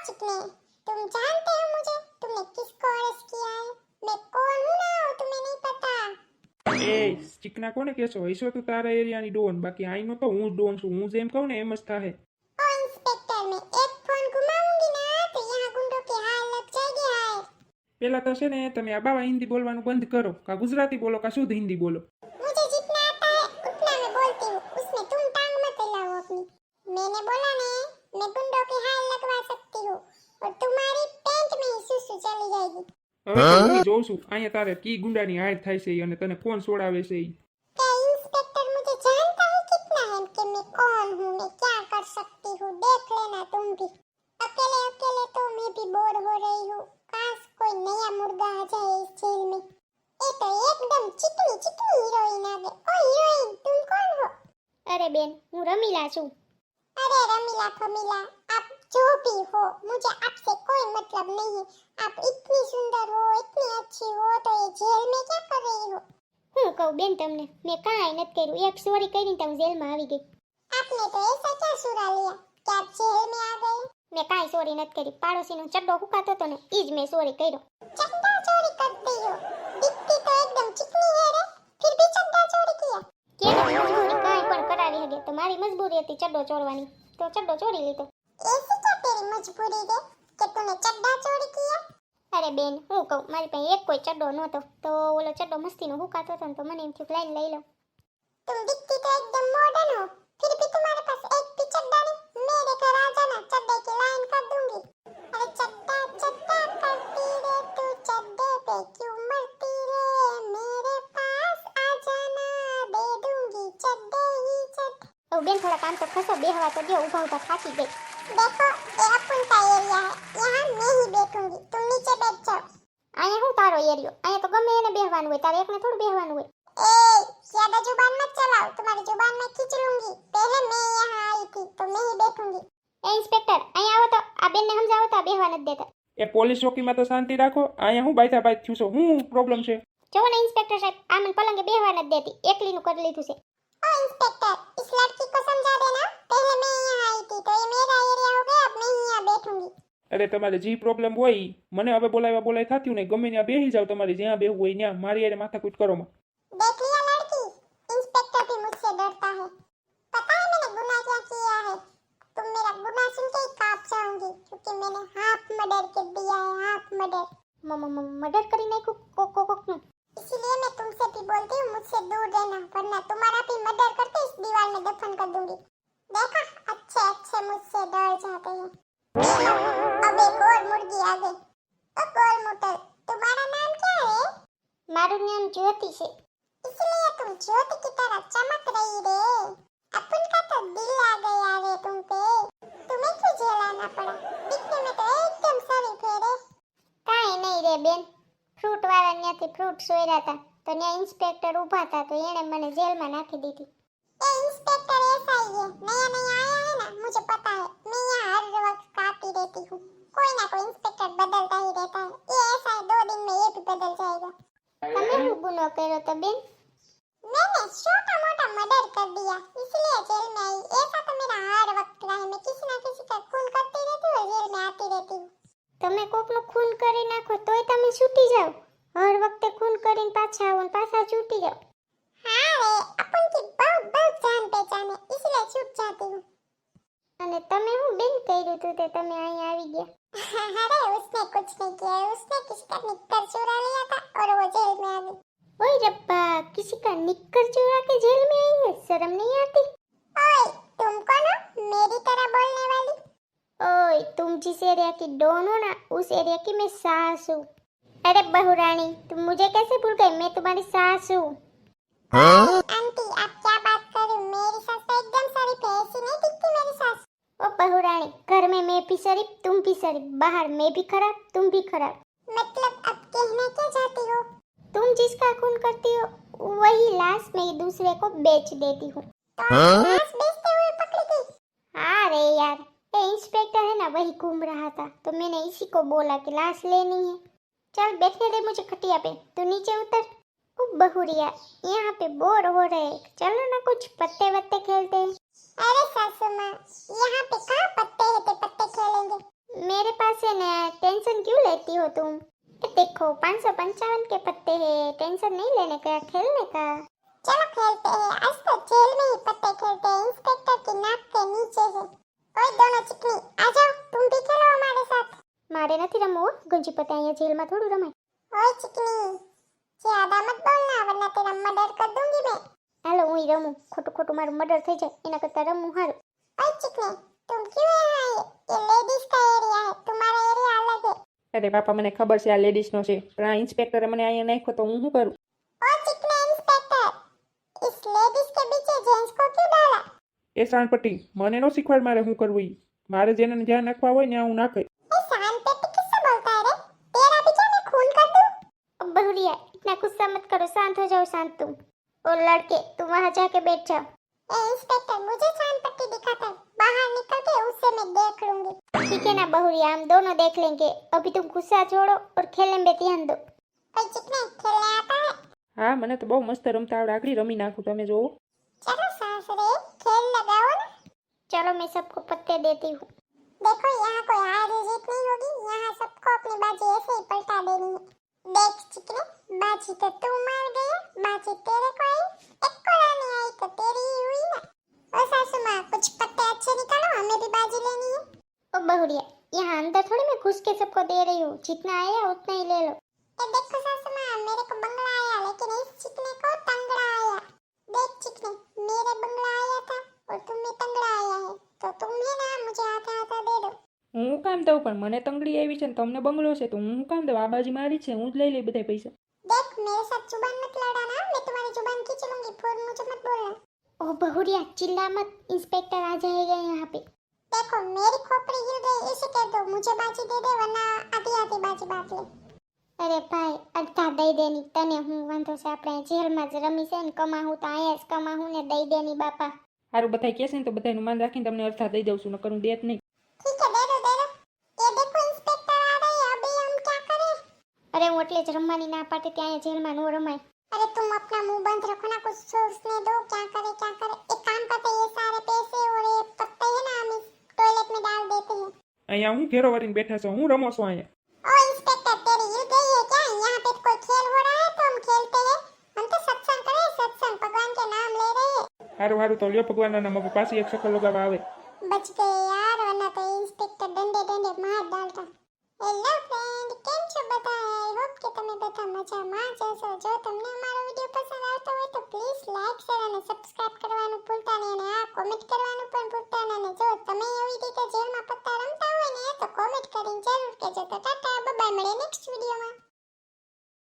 चिकने, तुम जानते हो मुझे? तुमने किसको अरेस्ट किया है? मैं कौन हूँ ना तुम्हें नहीं पता। એ ચીકના કોને કહેશો? હૈસો તું તારા એરિયાની ડોન, બાકી આઈનો તો હું જ ડોન છું. હું જેમ કહું ને એમ જ થાહે. ओ इंस्पेक्टर, मैं एक फोन घुमाऊंगी ना तो यहाँ गुंडों की हार लग जाएगी हार। પેલા તો છે ને તમે આ બાવા હિન્દી બોલવાનું બંધ કરો, કા ગુજરાતી બોલો કા શુદ્ધ હિન્દી બોલો. मुझे जितना आता है उतना मैं बोलती हूँ, उसमें तुम टांग मत हिलाओ अपनी। मैंने बोला ना, मैं गुंडों की हार लगवा सकती हूँ और तुम्हारी पेंट में ही सुसु चली जाएगी। હવે તો હું જોઉં છું અહીંયા તારે કી ગુંડાની હાર થાય છે ઈ અને તને કોણ છોડાવે છે ઈ. क्या इंस्पेक्टर मुझे जानता है कितना है कि मैं कौन हूँ, मैं क्या कर सकती हूँ, देख लेना तुम भी। अकेले अकेले तो मैं भी बोर हो रही हूँ, काश कोई नया मुर्गा आ जाए इस जेल में। ये तो एकदम चिकनी चिकनी हीरोइन आ गई। ओ हीरोइन, तुम कौन हो? अरे बेन, हूँ रमीला छू। अरे रमीला फमीला, आप जो भी हो, मुझे आपसे कोई मतलब नहीं है। आप इतनी सुंदर हो, इतनी अच्छी हो, तो ये जेल में क्या कर रही हो? હું કહું બેન તમને, મેં કાંઈ નથી કર્યું. એક ચોરી કરીને તમે જેલમાં આવી ગઈ. आपने तो ऐसा क्या सुरा लिया कि आप जेल में आ गए? મેં કાંઈ ચોરી નથી કરી. પાડોશીનો ચડ્ડો હુકાતો હતો ને ઈ જ મેં ચોરી કર્યો. चड्डा चोरी करती हो? दिखती तो एकदम चिकनी है रे, फिर भी चड्डा चोरी किया? કેવી મજબૂરી કાંઈ પણ કરાવી હગે તો મારી મજબૂરી હતી ચડ્ડો ચોરવાની, તો ચડ્ડો ચોરી લીધો. ऐसी क्या तेरी मजबूरी है कि तूने चड्डा चोरी किया? અરે બેન, હું કહું મારી પાસે એક કોઈ ચડ્ડો નહોતો તો ઓલો ચડ્ડો મસ્તીનો હુકાતો હતો ને તો મને એમ થયું કે લાઈન લઈ લઉં. तुम दिखती तो एकदम मॉडर्न हो, फिर भी तुम्हारे पास एक भी चड्डा नहीं। मेरे घर आ जाना, चड्डे की लाइन कर दूंगी। अरे चड्डा चड्डा करती रे तू, चड्डे पे क्यों मरती रे? मेरे पास आ जाना, दे दूंगी चड्डे ही चड्डे। ઓ બેન થોડા કામ તો ખસો, બેહવા તો દો, ઊભા ઊભા થાકી ગઈ. देखो, ये अपन का एरिया है, यहाँ मैं ही बैठूंगी, तुम नीचे बैठ जाओ। અહીંયા હું તારો એરિયો? અહીંયા તો ગમે એને બેહવાનું હોય, તારે એકને થોડું બેહવાનું હોય. ए, ज्यादा जुबान मत चलाओ, तुम्हारी जुबान मैं खींच लूंगी। पहले मैं यहाँ आई थी तो मैं ही बैठूंगी। એ ઇન્સ્પેક્ટર અહીંયા આવો તો, આ બેનને સમજાવો તો આ બેહવા નથી દેતા. એ પોલીસ ચોકીમાં તો શાંતિ રાખો. અહીંયા હું બાયતા બાય થયું છું, હું પ્રોબ્લેમ છે? જો ને ઇન્સ્પેક્ટર સાહેબ, આ મને પલંગે બેહવા નથી દેતી, એકલીનું કરી લીધું છે. ओ इंस्पेक्टर, इस लड़की को समझा देना, पहले मैं यहाँ आई थी तो ये मेरा एरिया हो गया, अब मैं ही यहाँ बैठूंगी। અરે તમારે જી પ્રોબ્લેમ હોય ઈ. મને હવે બોલાવ્યા બોલાય થતું નહીં, ગમે ત્યાં બેસી જાવ, તમારે જ્યાં બેહવું હોય ત્યાં. મારી હારે માથાકૂટ કરો માં. देख लिया लड़की, इंस्पेक्टर भी मुझसे डरता है। पता है मैंने गुनाह क्या किया है? तुम मेरा गुनाह सुन के ही कांप जाओगी, क्योंकि मैंने हाफ मर्डर कर दिया है, हाफ मर्डर। મર્ડર કરી નાખ્યું કોકનું. इसीलिए मैं तुमसे भी बोलती हूँ, मुझसे दूर रहना, वरना तुम्हारा भी मर्डर करके इस दीवार में दफन कर दूंगी। देखा, अच्छे अच्छे मुझसे डर जाते हैं। अब एक और मुर्गी आ गई। ओ गोलमुटर, तुम्हारा नाम क्या है? મારું નામ જ્યોતિ છે. इसलिए तुम ज्योति की तरह चमक रही रे। अपन का तो दिल आ गया रे तुम पे। तुम्हें क्यों जेल आना पड़ा? दिखने में तो एकदम शरीफ है रे। કાંઈ નહીં રે બેન, ફ્રૂટ વાળા ત્યાંથી ફ્રૂટ સોયરા હતા તો ત્યાં ઇન્સ્પેક્ટર ઊભા હતા તો એણે મને જેલમાં નાખી દીધી. ये इंस्पेक्टर ऐसा ही है, नया नया आया है ना, मुझे पता है। मैं यहाँ हर वक्त काटी रहती हूँ, कोई ना कोई इंस्पेक्टर बदलता ही रहता है। ये ऐसा है, 2 दिन में ये भी बदल जाएगा। તમે શું ગુનો કર્યો તો બેન? मैंने छोटा मोटा मर्डर कर दिया, इसलिए जेल में आई। ऐसा तो मेरा हर वक्त रहा है, मैं किसी ना किसी का खून करती रहती हूँ और जेल में आती रहती हूँ। તમે કોકનું ખૂન કરી નાખો તોય તમે છૂટી જાઓ, હર વખતે ખૂન કરીને પાછા આવો ને પાછા છૂટી જાઓ. हाँ रे, अपन की बहुत बहुत जान पहचान है, इसलिए छूट जाती हूँ। અને તમે શું બેન કર્યું તું તે તમે અહીં આવી ગયા? अरे उसने कुछ नहीं किया है, उसने किसी का निक्कर चुरा लिया था और वो जेल में आ गई। ओए रब्बा, किसी का निक्कर चुरा के जेल में आई है, शर्म नहीं आती? ओए, तुम कौन हो मेरी तरह बोलने वाली? ओए, तुम जिस एरिया की डॉन हो ना, उस एरिया की मैं सास हूँ. अरे बहुरानी, तुम मुझे कैसे भूल गई? मैं तुम्हारी सास हूँ. आंटी, आप क्या बात कर रही हो? मेरी सास तो एकदम शरीफ है, ऐसी नहीं दिखती मेरी सास। ओ बहुरानी, घर में मैं भी शरीफ, तुम भी शरीफ, बाहर मैं भी खराब, तुम भी खराब. मतलब अब कहना क्या चाहती हो? तुम जिसका खून करती हो वही लाश में दूसरे को बेच देती हूँ. तो लाश बेचते हुए पकड़ी गई? हाँ रे यार, ये इंस्पेक्टर है ना, वही घूम रहा था तो मैंने इसी को बोला कि लाश लेनी है. चल बैठने दे मुझे खटिया पे, तू नीचे उतर. ओ बहुरिया, यहाँ पे बोर हो रहे, चलो ना कुछ पत्ते वत्ते खेलते हैं. अरे सासू माँ, यहाँ पे कहाँ पत्ते हैं, पत्ते खेलेंगे? मेरे पास से ना टेंशन क्यों लेती हो तुम? देखो 555 के पत्ते हैं, टेंशन नहीं लेने का, खेलने का। चलो खेलते हैं, आज तो जेल में ही पत्ते खेलते हैं, इंस्पेक्टर की नाक के नीचे है। ओए दोनों चिकनी, आ जाओ, तुम भी खेलो हमारे साथ। मारे નથી રમવું ગુંજી પતે અહીંયા જેલમાં થોડું રમાય। ओए चिकनी, ज्यादा मत बोलना वरना तेरा मर्डर कर दूंगी मैं। હાલો હું રમું, ખોટું ખોટું મારું મર્ડર થઈ જાય એના કરતાં રમવું સારું। ओए चिकनी, तुम क्यों यहाँ आए? ये लेडीज का एरिया है, तुम्हारा एरिया अलग है। અરે બાપા મને ખબર છે આ લેડીઝનો છે પણ આ ઇન્સ્પેક્ટરે મને અહીંયા નાખ્યો તો હું શું કરું? ओ चिकने इंस्पेक्टर, इस लेडीज के पीछे जेंट्स को क्यों डाला? એ શાનપટ્ટી મને નો શીખવાડ મારે શું કરવું ઈ મારે જેને જ્યાં નાખવા હોય ને હું નાખે। ये शांति किससे बोलता है रे? तेरा भी क्या मैं खून कर दूं? अब बहुरिया इतना गुस्सा मत करो, शांत हो जाओ, शांत तुम। और लड़के तुम वहाँ जाके बैठ जाओ। ए इंस्पेक्टर, मुझे शान पट्टी दिखाता है, बाहर निकल के उससे मैं देख लूंगी। ठीक है ना बहुरिया, हम दोनों देख लेंगे। अभी तुम गुस्सा छोड़ो और खेलने में ध्यान दो। ओए चिकने, खेलने आता है? હા મને તો બહુ મસ્ત રમતા આવડે આગળી રમી નાખું તમે જોવો। चलो सासरे, खेल लगाओ ना। चलो मैं सबको पत्ते देती हूँ। देखो यहाँ कोई हार जीत नहीं होगी, यहाँ सबको अपनी बाजी ऐसे ही पलटा देनी है। देख चिकने, बाजी तो तू मार गई, बाजी तेरे को आई, एक को नहीं आई तो तेरी ही हुई ना। ओ सासू माँ, कुछ पत्ते अच्छे निकालो, हमें भी बाजी लेनी है। ओ बहुरिया, यहाँ अंदर थोड़ी मैं घुस के सबको दे रही हूँ, जितना आया उतना ही ले लो। ये देखो सासू माँ, मेरे को बंगला आया लेकिन इस चिकने को तंगड़ा आया। देख चिकने, मेरे बंगला आया था और तुम्हें तंगड़ा आया है, तो तुम्हें ना मुझे आधा आधा दे दो। હું કામ દઉં પણ મને તંગડી આવી છે ને તમને બંગલો છે તો હું કામ દઉં? આ બાજી મારી છે, હું જ લઈ લઈ બધા પૈસા। देख मेरे साथ जुबान मत लड़ाना, मैं तुम्हारी जुबान खींच लूंगी, फिर मुझे मत बोलना। ओ बहुरिया चिल्ला मत, इंस्पेक्टर आ जाएगा यहाँ पे। देखो मेरी खोपड़ी हिल गई, इसे कह दो मुझे बाजी दे दे वरना आधी आधी बाजी बांट ले। अरे भाई अड़धा दई देनी तने हूँ, वांधो से આપણે જેલમાં જ રમી છે ને કમાહું તો અહીંયા જ કમાહું ને દઈ દેની બાપા। સારું બધા કહેશે ને તો બધાનું માન રાખીને તમને અડધા દઈ દઉં છું નકર હું દેત નહીં। ठीक है, दे दो दे दो। ये देखो इंस्पेक्टर आ रहे हैं, अभी हम क्या करें? अरे હું એટલે જ રમવાની ના પાડતી ત્યાં જેલમાં નો રમાય। अरे तुम अपना मुंह बंद रखो ना, कुछ सोचने दो, क्या करे क्या करे। एक काम करते हैं, ये सारे पैसे और ये पत्ते है ना हम इस टॉयलेट में डाल देते हैं। અહીંયા હું ઘેરો વળીને બેઠા છો, હું રમો છું અહીંયા। ओ इंस्पेक्टर, तेरी हिल गई है क्या? यहाँ पे कोई खेल हो रहा है तो हम खेलते हैं। हम तो सत्संग करें, सत्संग, भगवान के नाम ले रहे हैं। સારું સારું તો લ્યો ભગવાનના નામ હવે પાછી એક ચક્કર લગાવવા આવે। बच गए यार, वरना तो इंस्पेक्टर डंडे डंडे मार डालता। हेलो फ्रेंड, કેમ છો બધા? આઈ હોપ કે તમે બધા મજામાં જ હશો। જો તમને અમારો વિડિયો પસંદ આવતો હોય તો પ્લીઝ લાઈક શેર અને સબસ્ક્રાઇબ કરવાનું ભૂલતા નહીં અને આ કોમેન્ટ કરવાનું પણ ભૂલતા નહીં। જો તમે એવી રીતે જેલમાં પત્તા રમતા હોય ને તો કોમેન્ટ કરીને જરૂર કહેજો। તો ટાટા।